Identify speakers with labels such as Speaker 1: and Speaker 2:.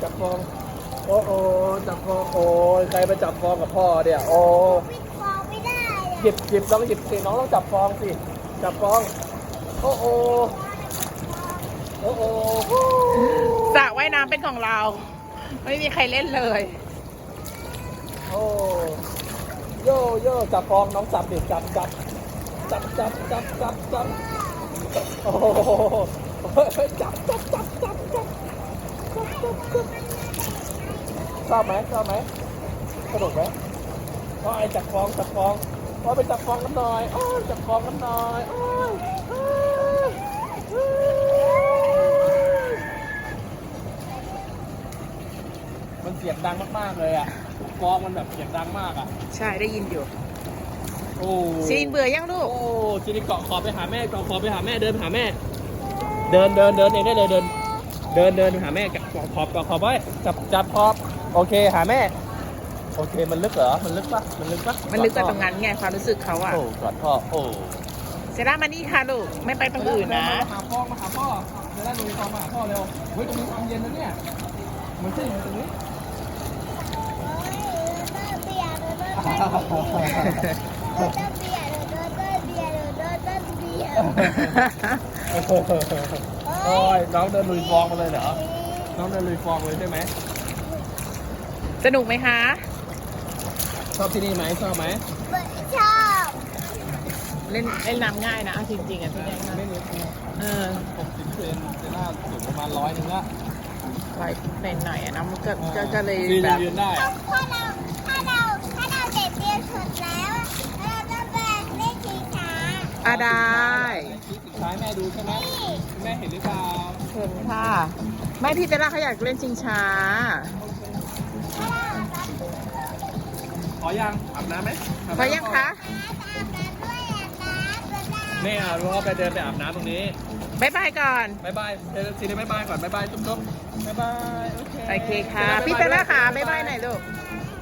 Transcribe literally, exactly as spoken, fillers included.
Speaker 1: จับฟองโอ้โอ้จับฟองโอ้ใครไปจับฟองกับพ่อเนี่ยโอ้
Speaker 2: ปิดฟองไม่ได้อะ
Speaker 1: หยิบหยิบลองหยิบสิน้องต้องจับฟองสิจับฟองโอ้โอ้โอ้โอ้
Speaker 3: สระว่ายน้ำเป็นของเรา ไม่มีใครเล่นเลย
Speaker 1: โอ้โย่โย่จับฟองน้องจับดิจับจับจับจับจับจับจับโอ้โหจับจับจับจับจับชอบไหมชอบไหมสนุกไหมพ่อไอ้จับฟองจับฟองพ่อไปจับฟองกันหน่อยโอ้ยจับฟองกันหน่อยโอ้ยโอ้ยโอ้ยมันเสียงดังมากๆเลยอ่ะฟองมันแบบเสียงดังมากอ่ะ
Speaker 3: ใช่ได้ยินอยู่
Speaker 1: โอ้
Speaker 3: ซีนเบื่อยังลูก
Speaker 1: โอ้จีนี่เกาะขอบไปหาแม่เกาะขอบไปหาแม่เดินไปหาแม่ เดินเดินเดินเองได้เลยเดิน เดินเดินไปหาแม่เกาะขอบเกาะขอบไว้จับจับขอบโอเคหาแม่ โอเคมันลึกเหรอมันลึกปะมันลึกปะ
Speaker 3: มันลึกกว่าตรงนั้นไงความรู้สึกเขาอะ
Speaker 1: โอ้กอดพ่อโอ้
Speaker 3: เซร่ามานี่ค่ะลูกไม่ไปตรงอื่นนะ
Speaker 1: มาหาพ่อมาหาพ่อเดี๋ยวได้ดูฟองมาหาพ่อเร็วเฮ้ยตรงนี้ความเย็นนะเนี่ยเหมือนที่ตรงนี้
Speaker 2: เบียร์โดนต้นเบียร์โดนต้นเบียร์โดนต้นเบียร์โดนต้นเบียร์
Speaker 1: โอ้ยน้องเดินลุยฟองมาเลยเหรอน้องเดินลุยฟองเลยใช่ไหม
Speaker 3: สนุกไหมคะ
Speaker 1: ชอบที่นี่ไหมชอบไหม
Speaker 2: ชอบ
Speaker 3: เล่นเล่นน้ำง่ายนะเอาจริงๆอ่ะที่นี่
Speaker 1: ไม่นิด
Speaker 3: เออ
Speaker 1: หกสิบเซนเซน่าสูงประมาณร้อยหนึงละ
Speaker 3: ไว้เป็นหน่อยอ่ะนะมันก็ก็ก็เลย
Speaker 1: ยืน
Speaker 3: แบบ
Speaker 1: ยืนได้
Speaker 2: ถ้าเราถ้าเราถ้าเราเด็กเรียนสุดแล้วเราจะไปเล่นชิงช้า
Speaker 3: อ่ะได้
Speaker 1: ชี้สุดท้ายแม่ดูใช่ไหมแม่เห็นหรือเปล่า
Speaker 3: เห็นค่ะไม่พี่เซร่าเขาอยากเล่นชิงช้า
Speaker 1: ขอยังอาบน้ำไหม
Speaker 3: พอยังคะ
Speaker 1: แม่เอาลูกเขาไปเดินไปอาบน้ำตรงนี้
Speaker 3: บ๊ายบายก่อน
Speaker 1: บายบายเดินซีได้บายบายก่อนบายบายจุ๊บจุ๊บบายบายโอเค
Speaker 3: โอเคค่ะ พี่เซร่าค่ะบ๊ายบายหน่อยลูก
Speaker 2: บ